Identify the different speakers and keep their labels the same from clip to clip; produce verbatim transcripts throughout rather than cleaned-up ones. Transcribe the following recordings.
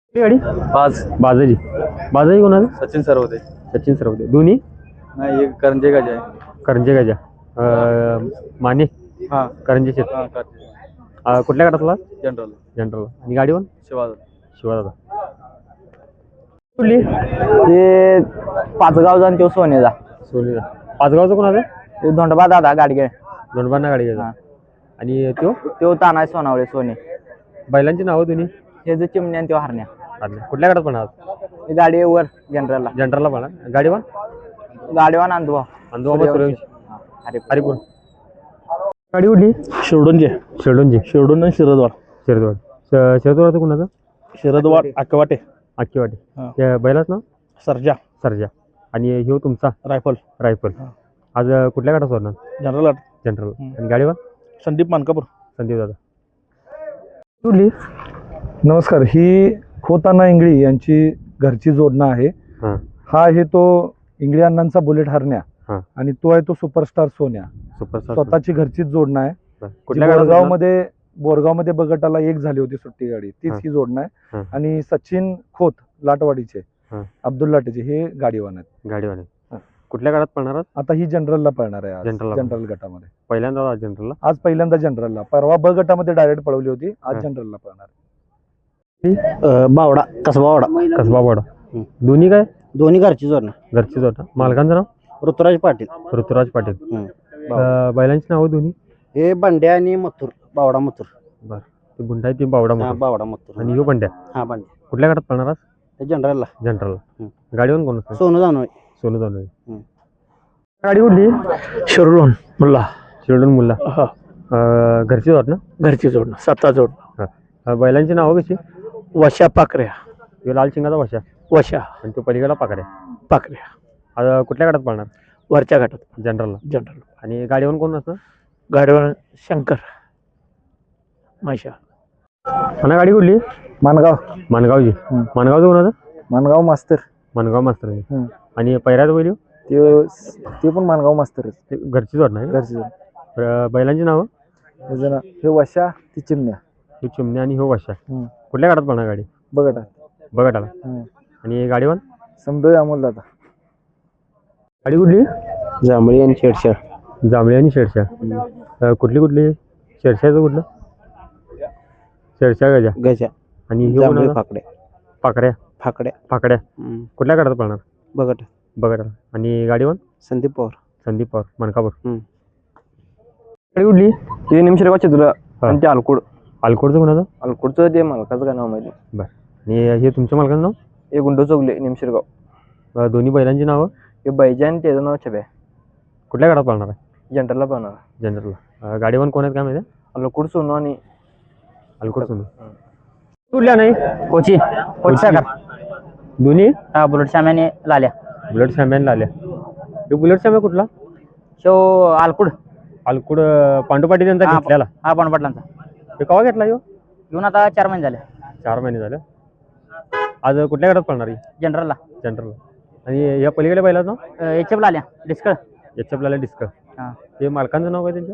Speaker 1: कुठली गाडी?
Speaker 2: पाच
Speaker 1: बाजाजी. बाजाजी कोणाचं?
Speaker 2: सचिन सरवते.
Speaker 1: सचिन सरवते. दोन्ही
Speaker 2: नाही एक करंजे गाजी आहे.
Speaker 1: करंजे गाजा. अं, माने
Speaker 2: हा
Speaker 1: करंजे शेत.
Speaker 2: हा करंजे
Speaker 1: अं, कुठल्या गटातला?
Speaker 2: General
Speaker 1: general. आणि गाडीवर
Speaker 2: शिवाज
Speaker 1: शिवादादा. कुठली?
Speaker 3: ते पाचगावचा आणि तो सोनेचा.
Speaker 1: सोनीचा. पाचगावचं कोणाचं?
Speaker 3: तो धोंडबा दादा गाडगे.
Speaker 1: दोंडबांना गाडी घ्यायचा. आणि तो
Speaker 3: तो तानाय सोनावळे सोने.
Speaker 1: बैलांची नावं दोन्ही?
Speaker 3: हे जे चिमण्या आणि तो हरण्या.
Speaker 1: आणल्या. कुठल्या गटात पडणार?
Speaker 3: ही गाडी वर जनरलला.
Speaker 1: जनरलला पडणार. गाडीवर
Speaker 3: गाडीवान अंधुभाव.
Speaker 1: अंदोबा सूर्यवंशी.
Speaker 3: अरे
Speaker 1: हरिपूर. गाडी कुठली?
Speaker 4: शिरडूनचे
Speaker 1: शेडोनची.
Speaker 4: शिरडून आणि शिरदवाड.
Speaker 1: शिरदवाड. शिरदवाडचं कोणाचं?
Speaker 4: शिरदवाड अकवाटे
Speaker 1: आखी वाटे.
Speaker 4: हा.
Speaker 1: त्या बैलाच ना
Speaker 4: सर्जा
Speaker 1: सरजा. आणि ह्यो तुमचा
Speaker 4: रायफल
Speaker 1: रायफल.
Speaker 4: हा.
Speaker 1: आज अं, कुठल्या गटात होणार?
Speaker 4: General art
Speaker 1: general.
Speaker 4: हम्म.
Speaker 1: आणि गाडीवर
Speaker 4: संदीप मानकापूर.
Speaker 1: संदीप दादा. कुठली?
Speaker 5: नमस्कार. ही खोताना इंगळी यांची घरची जोडणं आहे.
Speaker 1: हां
Speaker 5: हा आहे तो इंगळी अण्णांचा बुलेट हरण्या
Speaker 1: हां.
Speaker 5: आणि तो आहे तो सुपरस्टार सोन्या.
Speaker 1: सुपरस्टार.
Speaker 5: स्वतःची घरचीच जोडणं आहे.
Speaker 1: कुठल्या गटात
Speaker 5: बोरगाव
Speaker 1: होणार?
Speaker 5: मध्ये बोरगाव मध्ये बगटाला एक झाली होती सुट्टी गाडी, तीच
Speaker 1: हां.
Speaker 5: ही जोडणं
Speaker 1: हां.
Speaker 5: आहे. आणि सचिन खोत लाटवाडीचे,
Speaker 1: हां.
Speaker 5: अब्दुल लाटेचे हे गाडीवान आहेत.
Speaker 1: गाडीवर आहे.
Speaker 5: हां.
Speaker 1: कुठल्या गटात पडणार आहात?
Speaker 5: आता ही जनरलला पळणार आहे आज.
Speaker 1: जनरलला
Speaker 5: जनरल गटामध्ये
Speaker 1: पहिल्यांदा आज जनरलला.
Speaker 5: आज पहिल्यांदा जनरलला. परवा ब गटामध्ये डायरेक्ट पळवली होती, आज
Speaker 1: हां.
Speaker 5: जनरलला पळणार.
Speaker 3: बावडा कसबा वाडा.
Speaker 1: कसबा वाडा. दोन्ही काय?
Speaker 3: दोन्ही घरची जोडणं.
Speaker 1: घरचीच होता. मालकांचं नाव?
Speaker 3: ऋतुराज पाटील.
Speaker 1: ऋतुराज पाटील. अं, बैलांची नावं दोन्ही?
Speaker 3: हे बंड्या आणि मथुर. बावडा मथुर.
Speaker 1: बरं. ते गुंडा आहे ते बावडा
Speaker 3: हा
Speaker 1: मोठा.
Speaker 3: बावडा मथुर.
Speaker 1: आणि ह्यो बंड्या.
Speaker 3: हा बंड्या.
Speaker 1: कुठल्या गटात पडणार आज?
Speaker 3: ते जनरलला.
Speaker 1: जनरलला.
Speaker 3: हम्म.
Speaker 1: गाडीवर कोण असतं?
Speaker 3: सोनू जानोय.
Speaker 1: सोनू दानवे.
Speaker 3: हम्म.
Speaker 1: गाडी कुठली?
Speaker 4: शिरडून मुल्ला
Speaker 1: शिरडून मुल्ला.
Speaker 4: हा
Speaker 1: अं, घरचीच होत ना?
Speaker 4: घरची जोडणं सत्ता जोडणं.
Speaker 1: अं, बैलांची नावं कशी?
Speaker 4: वशा पाकऱ्या.
Speaker 1: ह्यो लाल शिंगाचा वशा
Speaker 4: वशा
Speaker 1: आणि तो पलीकडला पाकड्या.
Speaker 4: पाकऱ्या
Speaker 1: आज कुठल्या गटात पडणार?
Speaker 4: वरच्या घाटात
Speaker 1: जनरलला.
Speaker 4: जनरल.
Speaker 1: आणि गाडीवर कोण असतं?
Speaker 4: गाडीवर शंकर माशा.
Speaker 1: मला गाडी कुठली?
Speaker 5: मानगाव.
Speaker 1: मानगावची.
Speaker 5: हम्म.
Speaker 1: मानगावचं कोणाचं?
Speaker 5: मानगाव मास्तर.
Speaker 1: मानगाव मास्तर.
Speaker 5: हम्म.
Speaker 1: आणि पहिऱ्यात बैल
Speaker 5: ते ते पण मानगाव मास्तरच.
Speaker 1: ते घरचीच होत नाही.
Speaker 5: घरची जोड.
Speaker 1: बैलांची नावं?
Speaker 5: हे जण- हे वशा ती चिमण्या.
Speaker 1: ह्यो चिमण्या आणि ह्यो वशा.
Speaker 5: हम्म.
Speaker 1: कुठल्या गटात पडणार गाडी?
Speaker 5: बघा
Speaker 1: बघा आला. आणि गाडीवर
Speaker 5: संभय अमोल दादा.
Speaker 1: गाडी कुठली?
Speaker 3: जांभळी आणि शेडशा.
Speaker 1: जांभळी आणि शेरशा. अं, कुठली कुठली? शेरशाचं कुठलं? शेरशा गजा.
Speaker 3: गजा.
Speaker 1: आणि ह्यो
Speaker 3: जांभळी
Speaker 1: कोणाचा?
Speaker 3: फाकड्या.
Speaker 1: पाकऱ्या.
Speaker 3: फाकड्या.
Speaker 1: पाकड्या. कुठल्या गटात पडणार?
Speaker 3: बघट.
Speaker 1: बघा. आणि गाडीवर
Speaker 3: संदीप पवार.
Speaker 1: संदीप पवार मानकापूर.
Speaker 3: हम्म.
Speaker 1: गाडी कुठली?
Speaker 3: हे निमशिरगाव चितुला आणि ते अलकुड.
Speaker 1: अलकोडचं कोणाचं?
Speaker 3: अलकुडचं ते मालकाचं काय नाव माहिती.
Speaker 1: बरं. आणि हे तुमच्या मालकाचं नाव?
Speaker 3: हे गुंडो चौगले निमशिरगाव.
Speaker 1: अं, दोन्ही बैलांची नावं?
Speaker 3: हे बैजा आणि त्याचं नाव छब्या.
Speaker 1: कुठल्या गटात पडणार आहे?
Speaker 3: जनरलला पाहणार.
Speaker 1: जनरलला. गाडीवर कोण आहेत काय माहिती?
Speaker 3: अलकुड सोनू आणि
Speaker 1: अलकोड सोनू. कुठल्या नाही?
Speaker 3: कोची. कोची
Speaker 1: दोन्ही?
Speaker 3: हा बुलेट शाम्याने लाल्या.
Speaker 1: बुलेट सॅम्यानला आल्या. हे बुलेट सॅम्या कुठला?
Speaker 3: शो अलकुड.
Speaker 1: अलकुड पांडू पाटील यांचा
Speaker 3: हा.
Speaker 1: घेतलेला.
Speaker 3: हा पाटलांचा.
Speaker 1: हे केव्हा घेतला ह्यो?
Speaker 3: घेऊन आता चार महिने झाले.
Speaker 1: चार महिने झाले. आज कुठल्या गटात पडणार आहे?
Speaker 3: जनरलला.
Speaker 1: जनरल. आणि या पलीकडे बैलाचं नाव?
Speaker 3: एच एफ लाल्या डिस्कळ.
Speaker 1: याच्या आपल्याला डिस्क.
Speaker 3: हा.
Speaker 1: ते मालकांचं नाव काय त्यांचं?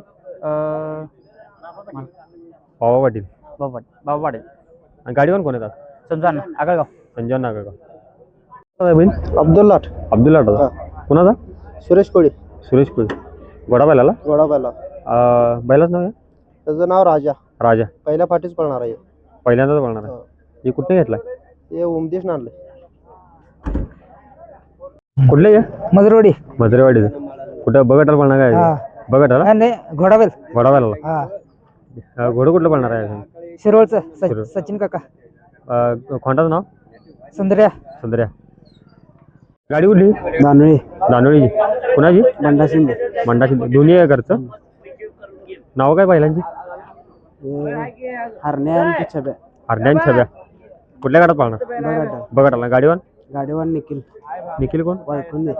Speaker 3: अं,
Speaker 1: पावा पाटील.
Speaker 3: बाबा बाबा पाटील.
Speaker 1: आणि गाडीवर कोण येतात?
Speaker 3: संजय आगळगाव.
Speaker 1: संजय नागरगाव. बैल
Speaker 3: अब्दुल लाट.
Speaker 1: अब्दुल आठवता. कुणाचा?
Speaker 3: सुरेश कोळी.
Speaker 1: सुरेश कुल. गोडा बैलाला?
Speaker 3: गोडा बैला.
Speaker 1: बैलाच नाव आहे?
Speaker 3: त्याचं नाव राजा.
Speaker 1: राजा.
Speaker 3: पहिल्या फाटीच पळणार आहे.
Speaker 1: पहिल्यांदाच पळणार आहे. हे कुठे घेतलाय?
Speaker 3: हे उमदेश आणले.
Speaker 1: कुठले आहे?
Speaker 3: मजरवाडी.
Speaker 1: मजरेवाडीचं. कुठं बघटाला पळणार काय? बघटाला?
Speaker 3: नाही घोडाबेल.
Speaker 1: गोडा बैलाला.
Speaker 3: हा.
Speaker 1: घोडं कुठलं पळणार आहे?
Speaker 3: शिरवळचं
Speaker 1: शिरवळ.
Speaker 3: सचिन काका.
Speaker 1: अं, खोंडाचं नाव?
Speaker 3: सुंदर्या.
Speaker 1: सुंदर्या. गाडी कुठली?
Speaker 3: दानोळी.
Speaker 1: दानोळीची. कुणाची?
Speaker 3: बंडा शिंदे.
Speaker 1: मंडा शिंदे. दोन्ही आहे घरचं. नाव काय बैलांची?
Speaker 3: हरण्या आणि छब्या.
Speaker 1: हरण्या छब्या. कुठल्या गाडात पाळणार? बघटाला. गाडीवर?
Speaker 3: गाडीवर निखिल.
Speaker 1: निखिल कोण?
Speaker 3: वायकून दे.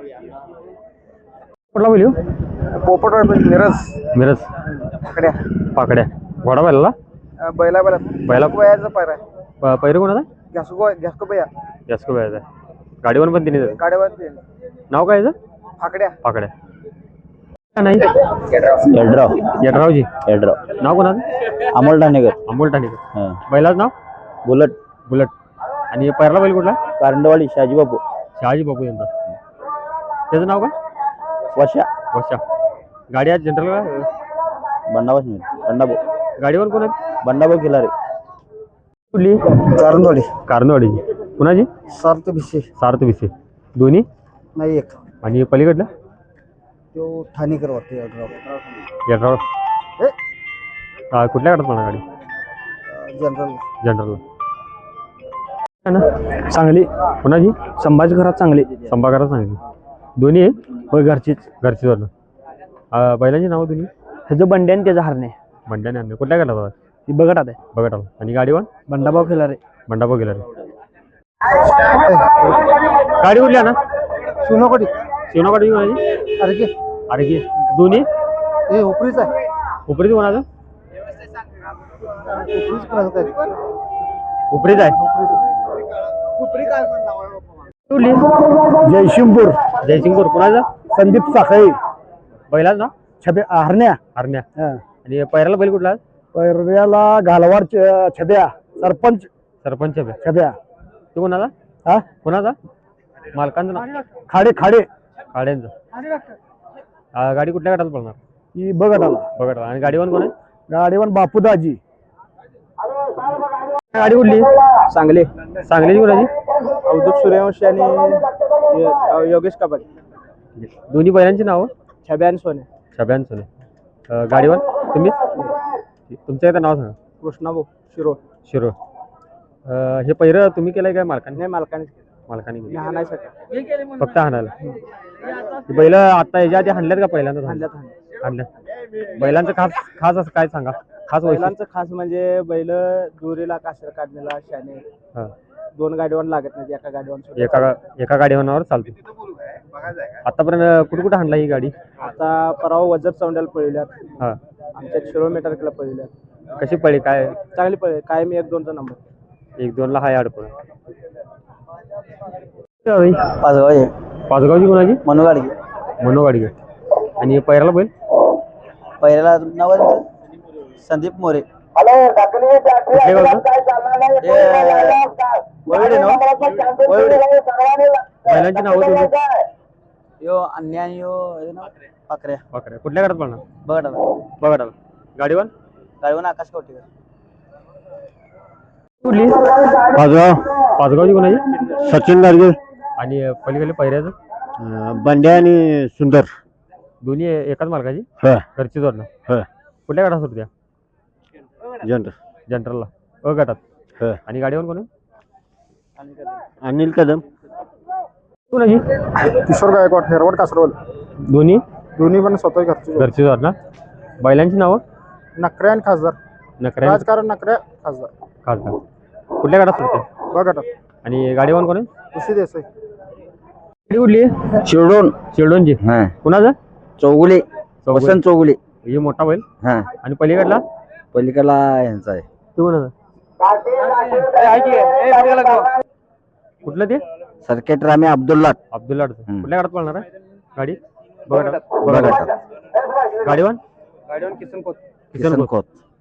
Speaker 1: कुठला बोलू?
Speaker 3: पोपट मिरज.
Speaker 1: मिरज.
Speaker 3: पाकड्या.
Speaker 1: पाकड्या. घोडा बैलाला?
Speaker 3: बैला बैला.
Speaker 1: बैला.
Speaker 3: वयाचा पायरा.
Speaker 1: प- पैरू कोणाचा?
Speaker 3: घ्यासको घ्यासको बैया.
Speaker 1: जास्त वयाचा आहे. गाडीवर पण तिने जातं.
Speaker 3: गाडीवर
Speaker 1: नाव काय याचं?
Speaker 3: फाकड्या.
Speaker 1: पाकड्या. नाही
Speaker 3: यड्राव.
Speaker 1: यड्रावजी.
Speaker 3: यड्राव.
Speaker 1: नाव कोणाचं?
Speaker 3: अमोल ठाणेकर.
Speaker 1: अमोल ठाणेकर. बैलाचं नाव?
Speaker 3: बुलट.
Speaker 1: बुलट. आणि पहिला बैल कुठला?
Speaker 3: कारंडवाडी शहाजी बापू
Speaker 1: शहाजी बापू यांचा. त्याचं नाव काय?
Speaker 3: वशा
Speaker 1: वशा. गाडी आज जनरल का?
Speaker 3: बंडाबास मिळेल बंडाभाऊ
Speaker 1: गाडीवर कोण आहे?
Speaker 3: बंडाभाऊ खिलारे
Speaker 1: कुठली?
Speaker 3: कारंडवाडी
Speaker 1: कारंदवाडीची. कुणाची?
Speaker 3: सार्थ भिसे
Speaker 1: सार्थ विसे. दोन्ही.
Speaker 3: नाही एक
Speaker 1: आणि पलीकडला?
Speaker 3: तो ठाणेकर वाटते
Speaker 1: यड्राव.
Speaker 3: ए?
Speaker 1: हा, कुठल्या गाडात म्हणा गाडी?
Speaker 3: General
Speaker 1: general.
Speaker 4: चांगली
Speaker 1: कुणाची?
Speaker 4: संभाजी घरात चांगली
Speaker 1: संभागाला सांगितली. दोन्ही आहे?
Speaker 4: होय घरचीच.
Speaker 1: घरची जोडणं. अं, बैलांची नावं दोन्ही?
Speaker 4: ह्याचं बंड्या आणि त्याचं हरणे
Speaker 1: मंड्याने आणले. कुठल्या गाडात होता?
Speaker 4: ती बघत आहे
Speaker 1: बघा आला. आणि गाडीवर?
Speaker 4: बंडाभाऊ खिलारे.
Speaker 1: मंडापा गेला रे. गाडी उडली ना?
Speaker 3: सोनाकोटी
Speaker 1: शिवना गाडी कोणाची?
Speaker 3: अरे की
Speaker 1: अरे की दोन्ही
Speaker 3: हे उपरीच आहे
Speaker 1: उपरीच कोणाचं?
Speaker 3: उपरीच कोणाचं काय
Speaker 1: उपरीच आहे.
Speaker 3: उपरी काय
Speaker 1: उडली.
Speaker 4: जयशिंगपूर
Speaker 1: जयसिंगपूर. कुणाचा?
Speaker 4: संदीप साखळी
Speaker 1: बैलाच ना?
Speaker 4: छबे हरण्या
Speaker 1: हरण्या. आणि पैराला बैल कुठला?
Speaker 4: पैऱ्याला घालवार छब्या सरपंच
Speaker 1: सरपंच आहे.
Speaker 4: छब्या
Speaker 1: तो कोणाचा?
Speaker 4: हा
Speaker 1: कोणाचा? मालकांचं नाव?
Speaker 4: खाडे खाडे
Speaker 1: गाड्यांचं. अं, गाडी कुठल्या गाडात पळणार?
Speaker 4: ही बघत आला
Speaker 1: बघा आला. आणि गाडीवर कोण आहे?
Speaker 4: गाडीवर बापूदाजी.
Speaker 1: गाडी उडली.
Speaker 3: सांगली
Speaker 1: सांगलीची कोणाची?
Speaker 3: अवधूत सूर्यवंशी आणि य- योगेश कबाडी
Speaker 1: दोन्ही बैलांची नावं?
Speaker 3: छब्या आणि सोने
Speaker 1: छब्यान सोने. अं, गाडीवर तुम्हीच? तुमचं एकदा नाव सांगा.
Speaker 3: कृष्णाभाऊ शिरोळ
Speaker 1: शिरोळ. अं, हे पहिरं तुम्ही केलंय काय मालकाने?
Speaker 3: नाही मालकाने
Speaker 1: मालकाने केलं.
Speaker 3: हाणायसाठी
Speaker 1: फक्त हाणायला. ही बैल आता याच्या आधी हाणल्यात का पहिल्यांदा?
Speaker 3: हाणल्यात हाणल्यात
Speaker 1: हाणल्यात. बैलांचं खास खास असं काय सांगा? खास वैशिष्ट्य.
Speaker 3: बैलांचं खास म्हणजे बैल दुरीला कासर काढण्याला शाने
Speaker 1: हा.
Speaker 3: दोन गाडीवर लागत नाही एका गाडीवर सुद्धा.
Speaker 1: एका गा- एका गाडीवर चालते. आतापर्यंत कुठे कुठे हाणला ही गाडी?
Speaker 3: आता परवा वजर चौंड्याला पळवल्यात
Speaker 1: हा.
Speaker 3: आमच्या किलोमीटर केला पळवल्यात
Speaker 1: कशी पळी काय?
Speaker 3: चांगली पळले काय मी एक दोनचा नंबर
Speaker 1: एक दोन ला हाय अडपण.
Speaker 3: पाचगाव आहे
Speaker 1: पाचगावची कोणाची?
Speaker 3: मनोगाडी
Speaker 1: मनो गाडी. आणि पैराला बैल?
Speaker 3: पहिल्याला नाव संदीप मोरे
Speaker 1: कुठल्या गावचं?
Speaker 3: वळवडे ना वळवडे
Speaker 1: बैलांची नावं तुम्ही?
Speaker 3: यो अन्याय आणि यो हे ना पाकऱ्या
Speaker 1: वाकड्या. कुठल्या गाडात पळणार?
Speaker 3: बघा
Speaker 1: बघा आला. गाडीवर?
Speaker 3: गाडीवर आकाश कवटी
Speaker 1: कुठली?
Speaker 4: पाचगाव
Speaker 1: पाचगावची कोणाची?
Speaker 4: सचिन गाडगे.
Speaker 1: आणि पलीकडे पैऱ्याचं?
Speaker 4: बंड्या आणि सुंदर.
Speaker 1: दोन्ही एकाच मालकाची?
Speaker 4: हा
Speaker 1: घरची जोडणं.
Speaker 4: हा
Speaker 1: कुठल्या गाडात होत्या?
Speaker 4: जनरल
Speaker 1: जनरलला. अ गटात.
Speaker 4: हा
Speaker 1: आणि गाडीवर कोण आहे?
Speaker 4: अनिल कदम.
Speaker 1: कोणाची?
Speaker 3: किशोर गायकवाड हेरवड कासरवल
Speaker 1: दोन्ही
Speaker 3: दोन्ही पण स्वतः घरचे
Speaker 1: घरची जोडणं. बैलांची नावं?
Speaker 3: नकऱ्या आणि खासदार
Speaker 1: नकऱ्या
Speaker 3: राजकारण नकऱ्या खासदार
Speaker 1: खासदार. कुठल्या गाडात होते?
Speaker 3: बघा
Speaker 1: आणि गाडीवर कोण आहे?
Speaker 3: खुशी देसाई
Speaker 1: गाडी कुठली?
Speaker 3: शिरडोन
Speaker 1: शिरडोनची.
Speaker 3: हा
Speaker 1: कुणाचं?
Speaker 3: चौगुले
Speaker 1: चौगुले.
Speaker 3: वसंत चौगुले
Speaker 1: हे मोठा बैल.
Speaker 3: हा
Speaker 1: आणि पलीकडला?
Speaker 3: पलीकडला यांचा आहे
Speaker 1: तो कोणाचा? कुठलं ते?
Speaker 3: सर्किट रामे अब्दुल्ला
Speaker 1: अब्दुल्ला अडचण.
Speaker 3: हम्म.
Speaker 1: कुठल्या गाडात पळणार आहे गाडी? बघा
Speaker 3: बघा
Speaker 1: गाडीवर?
Speaker 3: गाडीवर किसन खोत
Speaker 1: किसन खोत.